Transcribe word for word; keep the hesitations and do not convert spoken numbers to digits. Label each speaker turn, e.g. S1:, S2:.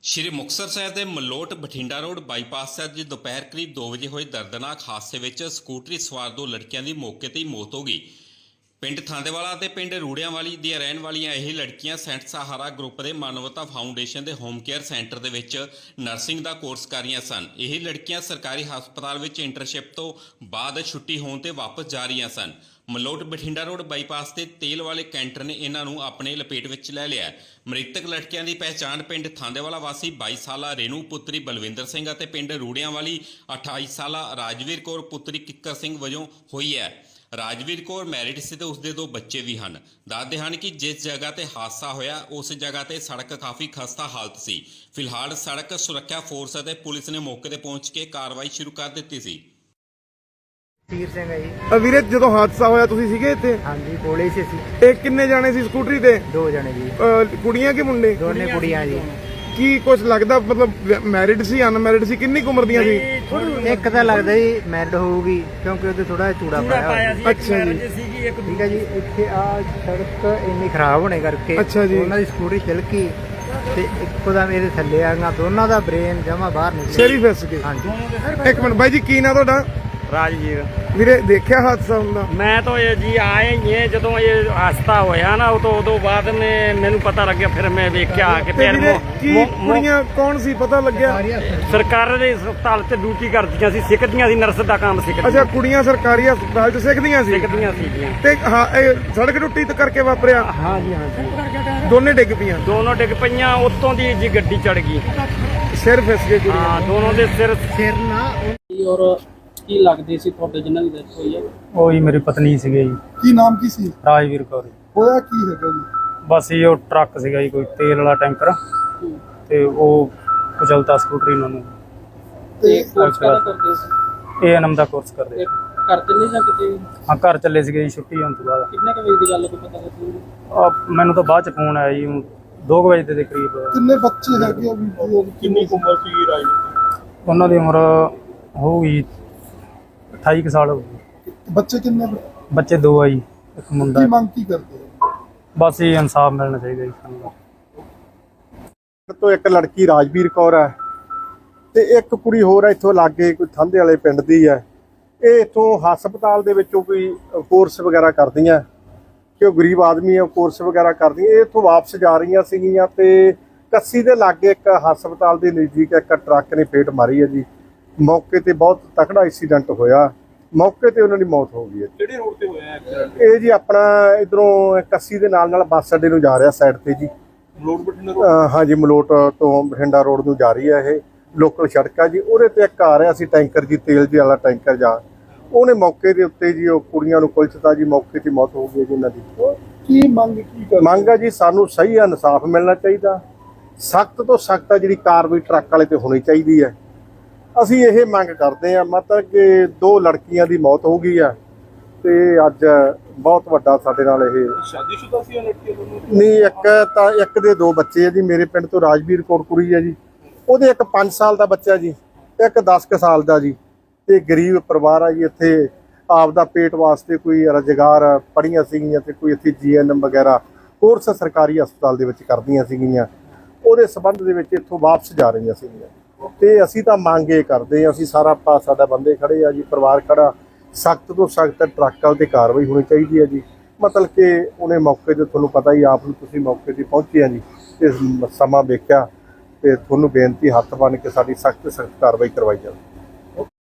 S1: ਸ਼੍ਰੀ ਮੁਕਤਸਰ ਸਾਹਿਬ ਦੇ Malout Bathinda road bypass ਤੇ ਅੱਜ ਦੁਪਹਿਰ ਕਰੀਬ ਦੋ ਵਜੇ ਹੋਏ ਦਰਦਨਾਕ ਹਾਦਸੇ ਵਿੱਚ ਸਕੂਟਰੀ ਸਵਾਰ ਦੋ ਲੜਕੀਆਂ ਦੀ ਮੌਕੇ ਤੇ ਹੀ ਮੌਤ ਹੋ ਗਈ। ਪਿੰਡ ਥਾਂਦੇਵਾਲਾ ਤੇ ਪਿੰਡ ਰੂੜਿਆਂਵਾਲੀ ਦੀਆਂ ਰਹਿਣ ਵਾਲੀਆਂ ਇਹ ਲੜਕੀਆਂ ਸੈਂਟ ਸਹਾਰਾ ਗਰੁੱਪ ਦੇ ਮਾਨਵਤਾ ਫਾਊਂਡੇਸ਼ਨ ਦੇ ਹੋਮ ਕੇਅਰ ਸੈਂਟਰ ਦੇ ਵਿੱਚ ਨਰਸਿੰਗ ਦਾ ਕੋਰਸ ਕਰ ਰਹੀਆਂ ਸਨ। ਇਹ ਲੜਕੀਆਂ ਸਰਕਾਰੀ ਹਸਪਤਾਲ ਵਿੱਚ ਇੰਟਰਨਸ਼ਿਪ ਤੋਂ ਬਾਅਦ ਛੁੱਟੀ ਹੋਣ ਤੇ ਵਾਪਸ ਜਾ ਰਹੀਆਂ ਸਨ। ਮਲੋਟ ਬਠਿੰਡਾ ਰੋਡ ਬਾਈਪਾਸ ਤੇ ਤੇਲ ਵਾਲੇ ਕੈਂਟਰ ਨੇ ਇਹਨਾਂ ਨੂੰ ਆਪਣੇ ਲਪੇਟ ਵਿੱਚ ਲੈ ਲਿਆ। ਮ੍ਰਿਤਕ ਲੜਕੀਆਂ ਦੀ ਪਹਿਚਾਣ ਪਿੰਡ ਥਾਂਦੇਵਾਲਾ ਵਾਸੀ ਬਾਈ ਸਾਲਾ ਰੇਨੂ ਪੁੱਤਰੀ ਬਲਵਿੰਦਰ ਸਿੰਘ ਅਤੇ ਪਿੰਡ ਰੂੜਿਆਂਵਾਲੀ ਅਠਾਈ ਸਾਲਾ ਰਾਜਵੀਰ ਕੌਰ ਪੁੱਤਰੀ ਕਿੱਕਰ ਸਿੰਘ ਵਜੋਂ ਹੋਈ ਹੈ। ਰਾਜਵੀਰ ਕੌਰ ਮੈਰਿਡ ਸੀ ਤੇ ਉਸਦੇ ਦੋ ਬੱਚੇ ਵੀ ਹਨ। ਦੱਸਦੇ ਹਨ ਕਿ ਜਿਸ ਜਗ੍ਹਾ ਤੇ ਹਾਦਸਾ ਹੋਇਆ ਉਸ ਜਗ੍ਹਾ ਤੇ ਸੜਕ ਕਾਫੀ ਖਸਤਾ ਹਾਲਤ ਸੀ। ਫਿਲਹਾਲ ਸੜਕ ਸੁਰੱਖਿਆ ਫੋਰਸ ਅਤੇ ਪੁਲਿਸ ਨੇ ਮੌਕੇ ਤੇ ਪਹੁੰਚ ਕੇ ਕਾਰਵਾਈ ਸ਼ੁਰੂ ਕਰ ਦਿੱਤੀ ਸੀ।
S2: ਤੀਰ ਸਿੰਘ ਹੈ ਜੀ।
S3: ਵੀਰੇ ਜਦੋਂ ਹਾਦਸਾ ਹੋਇਆ ਤੁਸੀਂ ਸੀਗੇ ਇੱਥੇ?
S2: ਹਾਂਜੀ ਕੋਲੇ ਸੀ ਅਸੀਂ।
S3: ਇਹ ਕਿੰਨੇ ਜਾਣੇ ਸੀ ਸਕੂਟਰੀ ਤੇ?
S2: ਦੋ ਜਣੇ ਜੀ।
S3: ਅਹ ਕੁੜੀਆਂ ਕਿ ਮੁੰਡੇ?
S2: ਦੋਨੇ ਕੁੜੀਆਂ ਜੀ।
S3: ਕੀ ਕੁਝ ਲੱਗਦਾ ਮਤਲਬ ਮੈਰਿਡ ਸੀ ਅਨਮੈਰਿਡ ਸੀ? ਕਿੰਨੀ ਕੁ ਉਮਰ ਦੀਆਂ ਸੀ?
S2: ਇੱਕ ਤਾਂ ਲੱਗਦਾ ਜੀ ਮੈਰਿਡ ਹੋਊਗੀ ਕਿਉਂਕਿ ਉਹਦੇ ਥੋੜਾ ਚੂੜਾ ਪਾਇਆ ਸੀ।
S3: ਅੱਛਾ ਜੀ
S2: ਠੀਕ ਹੈ ਜੀ। ਇੱਥੇ ਆ ਸੜਕ ਇੰਨੀ ਖਰਾਬ ਹੋਣੇ ਕਰਕੇ
S3: ਅੱਛਾ ਜੀ
S2: ਉਹਨਾਂ ਦੀ ਸਕੂਟਰੀ ਚਲਕੀ ਤੇ ਇੱਕੋ ਦਾ ਮੇਰੇ ਥੱਲੇ ਆ ਗਿਆ। ਦੋਨਾਂ ਦਾ ਬ੍ਰੇਨ ਜਮਾ ਬਾਹਰ ਨਿਕਲਿਆ।
S3: ਸ਼ੇਰੀ ਫਿਸ ਗਏ।
S2: ਹਾਂਜੀ
S3: ਇੱਕ ਮਿੰਟ ਬਾਈ ਜੀ ਕੀ ਨਾਂ ਤੁਹਾਡਾ?
S4: राजवीर।
S3: ਵੀਰੇ ਦੇਖਿਆ ਹਾਦਸਾ ਹੁੰਦਾ?
S4: मैं तो ये जी आए ही है जो ये हादसा होया ना तो उदों बाद में मैनू पता लग गया। फिर मैं वेख्या कि
S3: ਤੇ
S4: फिर
S3: ਵੀਰੇ ਕੀ ਕੁੜੀਆਂ ਕੌਣ ਸੀ ਪਤਾ ਲੱਗਿਆ?
S4: सरकार दे हस्पताल से ड्यूटी करदियां सी, सिखदियां सी, नर्स दा काम सिखदियां।
S3: ਅੱਛਾ ਕੁੜੀਆਂ ਸਰਕਾਰੀ ਹਸਪਤਾਲ 'ਚ ਸਿੱਖਦੀਆਂ ਸੀ?
S4: सिखदियां सी।
S3: ਤੇ ਹਾਂ ਇਹ ਸੜਕ ਟੁੱਟੀ ਤੇ ਕਰਕੇ ਵਾਪਰਿਆ?
S4: हाँ जी हाँ जी।
S3: ਦੋਨੇ ਡਿੱਗ ਪਈਆਂ?
S4: दोनों डिग पईयां उत्तों दी जी गड्डी चढ़ गई।
S3: ਸਿਰ ਫਿਸ ਗਏ ਕੁੜੀਆਂ?
S4: हाँ दोनों दे सिर
S2: ਸਿਰ ਨਾ
S5: ਔਰ ਕੀ ਲੱਗਦੇ ਸੀ ਤੁਹਾਡੇ ਜਿਨ੍ਹਾਂ ਦੀ ਡੈਥ ਹੋਈ ਹੈ?
S6: ਉਹ ਹੀ ਮੇਰੀ ਪਤਨੀ ਸੀਗੇ ਜੀ,
S3: ਕੀ ਨਾਮ ਕੀ ਸੀ?
S6: ਰਾਜਵੀਰ ਕੌਰ।
S3: ਹੋਇਆ ਕੀ ਹੈਗਾ ਜੀ?
S6: ਬਸ ਇਹ ਉਹ ਟਰੱਕ ਸੀਗਾ ਜੀ ਕੋਈ ਤੇਲ ਵਾਲਾ ਟੈਂਕਰ ਤੇ ਉਹ ਕੁਚਲਤਾ ਸਕੂਟਰੀ ਉਹਨਾਂ ਨੂੰ।
S5: ਤੇ ਕੋਰਸ ਕਾਹਦਾ ਕਰਦੇ ਸੀ?
S6: ਇਹ ਐਨਐਮ ਦਾ ਕੋਰਸ ਕਰਦੇ।
S5: ਇਹ ਘਰ ਚੱਲੇ ਜਾਂ ਕਿਤੇ?
S6: ਹਾਂ ਘਰ ਚੱਲੇ ਸੀਗੇ ਜੀ ਛੁੱਟੀ ਹੋਣ ਤੋਂ ਬਾਅਦ।
S5: ਕਿੰਨੇ ਕੁ ਵਜੇ ਦੀ ਗੱਲ ਕੋਈ ਪਤਾ ਲੱਗੀ?
S6: ਆਹ ਮੈਨੂੰ ਤਾਂ ਬਾਅਦ ਚ ਫੋਨ ਆਇਆ ਜੀ ਦੋ ਕੁ ਵਜੇ ਦੇ ਕਰੀਬ।
S3: ਕਿੰਨੇ ਬੱਚੇ ਹੈਗੇ? ਕਿੰਨੀ ਉਮਰ ਸੀ ਰਾਜਵੀਰ?
S6: ਉਹਨਾਂ ਦੀ ਉਮਰ ਹੋਊਗੀ ਅਠਾਈ ਕੁ ਸਾਲ ਹੋ ਗਈ।
S3: ਬੱਚੇ ਕਿੰਨੇ?
S6: ਬੱਚੇ ਦੋ ਆ ਜੀ, ਇੱਕ ਮੁੰਡਾ।
S3: ਮੰਗ ਕੀ ਕਰਦੇ?
S6: ਬਸ ਇਹ ਇਨਸਾਫ ਮਿਲਣਾ ਚਾਹੀਦਾ ਜੀ ਸਾਨੂੰ।
S7: ਤੋਂ ਇੱਕ ਲੜਕੀ ਰਾਜਵੀਰ ਕੌਰ ਹੈ ਤੇ ਇੱਕ ਕੁੜੀ ਹੋਰ ਹੈ ਇੱਥੋਂ ਲਾਗੇ ਕੋਈ ਥਾਂਦੇ ਵਾਲੇ ਪਿੰਡ ਦੀ ਹੈ। ਇਹ ਇੱਥੋਂ ਹਸਪਤਾਲ ਦੇ ਵਿੱਚੋਂ ਕੋਈ ਕੋਰਸ ਵਗੈਰਾ ਕਰਦੀਆਂ ਕਿ ਉਹ ਗਰੀਬ ਆਦਮੀ ਹੈ, ਕੋਰਸ ਵਗੈਰਾ ਕਰਦੀਆਂ। ਇਹ ਇੱਥੋਂ ਵਾਪਸ ਜਾ ਰਹੀਆਂ ਸੀਗੀਆਂ ਤੇ ਕੱਸੀ ਦੇ ਲਾਗੇ ਇੱਕ ਹਸਪਤਾਲ ਦੇ ਨਜ਼ਦੀਕ ਇੱਕ ਟਰੱਕ ਨੇ ਫੇਟ ਮਾਰੀ ਹੈ ਜੀ। ਮੌਕੇ ਤੇ ਬਹੁਤ ਤਕੜਾ ਐਕਸੀਡੈਂਟ ਹੋਇਆ, ਮੌਕੇ ਤੇ ਉਹਨਾਂ ਦੀ ਮੌਤ ਹੋ ਗਈ ਹੈ।
S5: ਕਿਹੜੇ ਰੋਡ ਤੇ ਹੋਇਆ ਐਕਸੀਡੈਂਟ?
S7: ਇਹ ਜੀ ਆਪਣਾ ਇਧਰੋਂ ਕੱਸੀ ਦੇ ਨਾਲ ਨਾਲ ਬੱਸ ਅੱਡੇ ਨੂੰ ਜਾ ਰਿਹਾ ਸਾਈਡ ਤੇ ਜੀ।
S5: ਮਲੋਟ ਬਠਿੰਡਾ
S7: ਅਹ ਹਾਂਜੀ ਮਲੋਟ ਤੋਂ ਬਠਿੰਡਾ ਰੋਡ ਨੂੰ ਜਾ ਰਹੀ ਹੈ। ਇਹ ਲੋਕਲ ਸੜਕ ਆ ਜੀ। ਉਹਦੇ ਤੇ ਇੱਕ ਆ ਰਿਹਾ ਸੀ ਟੈਂਕਰ ਜੀ, ਤੇਲ ਜੀ ਵਾਲਾ ਟੈਂਕਰ ਜਾ, ਉਹਨੇ ਮੌਕੇ ਦੇ ਉੱਤੇ ਜੀ ਉਹ ਕੁੜੀਆਂ ਨੂੰ ਕੁਲਚਤਾ ਜੀ, ਮੌਕੇ ਤੇ ਮੌਤ ਹੋ ਗਈ ਜੀ ਇਹਨਾਂ ਦੀ।
S3: ਕੀ ਮੰਗ ਕੀ ਕਰ
S7: ਮੰਗ ਆ ਜੀ ਸਾਨੂੰ ਸਹੀ ਇਨਸਾਫ ਮਿਲਣਾ ਚਾਹੀਦਾ, ਸਖਤ ਤੋਂ ਸਖਤ ਆ ਜਿਹੜੀ ਕਾਰਵਾਈ ਟਰੱਕ ਵਾਲੇ ਤੇ ਹੋਣੀ ਚਾਹੀਦੀ ਹੈ। ਅਸੀਂ ਇਹ ਮੰਗ ਕਰਦੇ ਹਾਂ ਮਤਲਬ ਕਿ ਦੋ ਲੜਕੀਆਂ ਦੀ ਮੌਤ ਹੋ ਗਈ ਆ ਤੇ ਅੱਜ ਬਹੁਤ ਵੱਡਾ ਸਾਡੇ ਨਾਲ ਇਹ
S5: ਸ਼ਾਦੀशुदा ਸੀ ਲੜਕੀ ਦੋਨੋਂ?
S7: ਨਹੀਂ, ਇੱਕ ਤਾਂ ਇੱਕ ਦੇ ਦੋ ਬੱਚੇ ਆ ਜੀ। ਮੇਰੇ ਪਿੰਡ ਤੋਂ ਰਾਜਵੀਰ ਕੌਰ ਕੁੜੀ ਹੈ ਜੀ, ਉਹਦੇ ਇੱਕ ਪੰਜ ਸਾਲ ਦਾ ਬੱਚਾ ਜੀ, ਇੱਕ ਦਸ ਕੁ ਸਾਲ ਦਾ ਜੀ। ਤੇ ਗਰੀਬ ਪਰਿਵਾਰ ਆ ਜੀ। ਇੱਥੇ ਆਪਦਾ ਪੇਟ ਵਾਸਤੇ ਕੋਈ ਰੁਜ਼ਗਾਰ ਪੜ੍ਹੀਆਂ ਸੀਗੀਆਂ ਤੇ ਕੋਈ ਇੱਥੇ ਜੀ ਐਨ ਐਮ ਵਗੈਰਾ ਕੋਰਸ ਸਰਕਾਰੀ ਹਸਪਤਾਲ ਦੇ ਵਿੱਚ ਕਰਦੀਆਂ ਸੀਗੀਆਂ। ਉਹਦੇ ਸੰਬੰਧ ਦੇ ਵਿੱਚ ਇੱਥੋਂ ਵਾਪਸ ਜਾ ਰਹੀਆਂ ਸੀਗੀਆਂ ਤੇ ਅਸੀਂ ਤਾਂ ਮੰਗ ਇਹ ਕਰਦੇ ਹਾਂ, ਅਸੀਂ ਸਾਰਾ ਪਾ ਸਾਡਾ ਬੰਦੇ ਖੜੇ ਆ ਜੀ, ਪਰਿਵਾਰ ਖੜਾ, ਸਖਤ ਤੋਂ ਸਖਤ ਟਰੱਕਾਂ 'ਤੇ ਕਾਰਵਾਈ ਹੋਣੀ ਚਾਹੀਦੀ ਹੈ ਜੀ। ਮਤਲਬ ਕਿ ਉਹਨੇ ਮੌਕੇ ਤੇ ਤੁਹਾਨੂੰ ਪਤਾ ਹੀ ਆਪ ਨੂੰ, ਤੁਸੀਂ ਮੌਕੇ ਤੇ ਪਹੁੰਚੇ ਆ ਜੀ ਤੇ ਸਮਾਂ ਵੇਖਿਆ ਤੇ ਤੁਹਾਨੂੰ ਬੇਨਤੀ ਹੱਥ ਬੰਨ੍ਹ ਕੇ ਸਾਡੀ ਸਖਤ ਸਖਤ ਕਾਰਵਾਈ ਕਰਵਾਈ ਜਾਵੇ।